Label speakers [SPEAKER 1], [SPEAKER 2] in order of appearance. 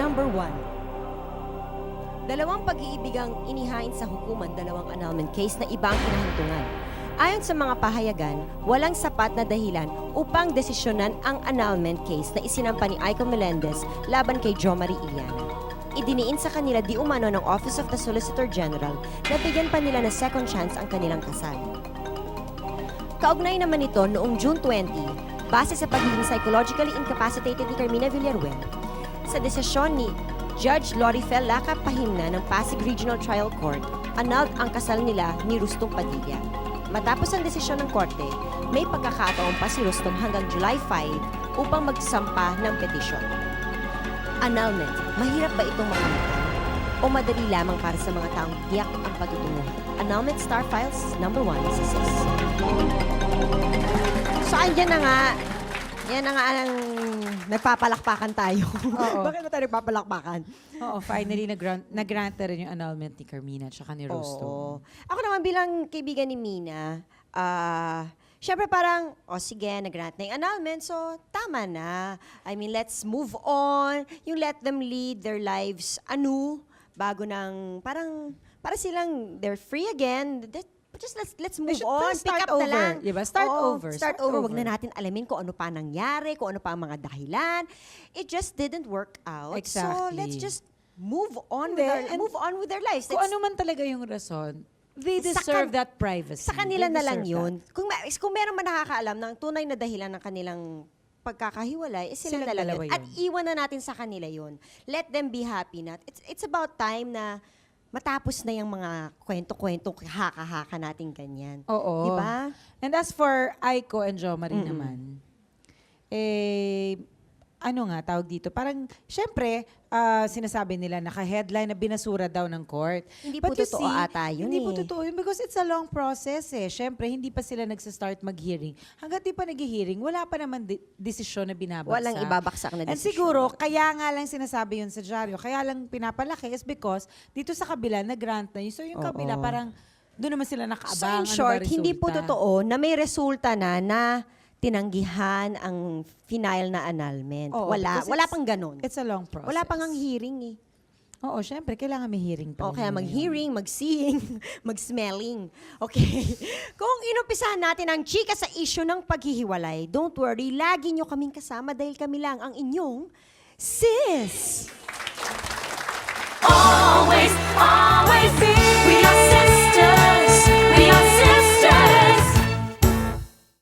[SPEAKER 1] Number 1. Dalawang pag-iibigang inihain sa hukuman, dalawang annulment case na ibang kinahintungan. Ayon sa mga pahayagan, walang sapat na dahilan upang desisyonan ang annulment case na isinampa ni Aiko Melendez laban kay Jo Marie Iliana. Idiniin sa kanila di umano ng Office of the Solicitor General na bigyan pa nila ng second chance ang kanilang kasal. Kaugnay naman ito noong June 20, base sa pagiging psychologically incapacitated ni Carmina Villaruel, sa desisyon ni Judge Lorifel Laca Pahimna ng Pasig Regional Trial Court, annulled ang kasal nila ni Rustong Padilla. Matapos ang desisyon ng korte, may pagkakataon pa si Rustong hanggang July 5 upang magsampa ng petisyon. Annulment, mahirap ba itong makamtan? O madali lamang para sa mga taong tiyak ang patutunguhan? Annulment Star Files number 1 si Sis. So, andyan na nga. Yan na nga ang nagpapalakpakan tayo.
[SPEAKER 2] Oo.
[SPEAKER 1] Bakit ba tayo nagpapalakpakan?
[SPEAKER 2] Oo, finally, nag-grant na rin yung annulment ni Carmina at saka ni Rosto.
[SPEAKER 1] Oo. Ako naman bilang kaibigan ni Mina, syempre parang, sige, nag-grant na yung annulment, so tama na. I mean, let's move on. Yung let them lead their lives bago ng, parang, para silang, they're free again. Just let's move on. Pick up na lang.
[SPEAKER 2] Diba? Start over.
[SPEAKER 1] Start over. Wag na natin alamin kung ano pa nangyari, kung ano pa ang mga dahilan. It just didn't work out.
[SPEAKER 2] Exactly.
[SPEAKER 1] So let's just move on with their lives.
[SPEAKER 2] Kung ano man talaga yung rason, they deserve that privacy.
[SPEAKER 1] Sa kanila
[SPEAKER 2] They
[SPEAKER 1] na lang
[SPEAKER 2] deserve
[SPEAKER 1] yun. Kung meron man nakakaalam ng tunay na dahilan ng kanilang pagkakahiwalay, sila
[SPEAKER 2] Silang
[SPEAKER 1] na lang
[SPEAKER 2] dalawa
[SPEAKER 1] yun. At
[SPEAKER 2] yun.
[SPEAKER 1] iwan na natin sa kanila yun. Let them be happy na. It's about time na matapos na yung mga kwento-kwento, haka-haka natin ganyan.
[SPEAKER 2] Oo.
[SPEAKER 1] Diba?
[SPEAKER 2] And as for Aiko and Jo Marie naman, ano nga, tawag dito, parang, syempre, sinasabi nila, naka-headline na binasura daw ng court.
[SPEAKER 1] Hindi
[SPEAKER 2] But
[SPEAKER 1] po
[SPEAKER 2] you
[SPEAKER 1] totoo ata yun
[SPEAKER 2] Hindi po
[SPEAKER 1] eh.
[SPEAKER 2] totoo yun because it's a long process eh. Syempre, hindi pa sila nagsa-start mag-hearing. Hanggat di pa nag-hearing, wala pa naman desisyon na binabagsak.
[SPEAKER 1] Walang ibabaksak na
[SPEAKER 2] And
[SPEAKER 1] desisyon.
[SPEAKER 2] siguro, kaya nga lang sinasabi yun sa dyaryo, kaya lang pinapalaki is because dito sa kabila, nag-grant na yun. So yung kabila, parang doon naman sila
[SPEAKER 1] So in
[SPEAKER 2] nakaabang.
[SPEAKER 1] short,
[SPEAKER 2] ano ba
[SPEAKER 1] hindi po
[SPEAKER 2] resulta?
[SPEAKER 1] totoo na may resulta na tinanggihan ang final na annulment.
[SPEAKER 2] Oo,
[SPEAKER 1] Wala
[SPEAKER 2] because
[SPEAKER 1] wala pang ganun.
[SPEAKER 2] It's a long process.
[SPEAKER 1] Wala pang ang hearing eh.
[SPEAKER 2] Oo, syempre, kailangan may hearing pa.
[SPEAKER 1] O kaya
[SPEAKER 2] rin yun.
[SPEAKER 1] mag-hearing, mag-seeing, mag-smelling. Okay. Kung inumpisahan natin ang chika sa issue ng paghihiwalay, don't worry, lagi nyo kaming kasama dahil kami lang ang inyong sis.
[SPEAKER 3] Always, always be. We are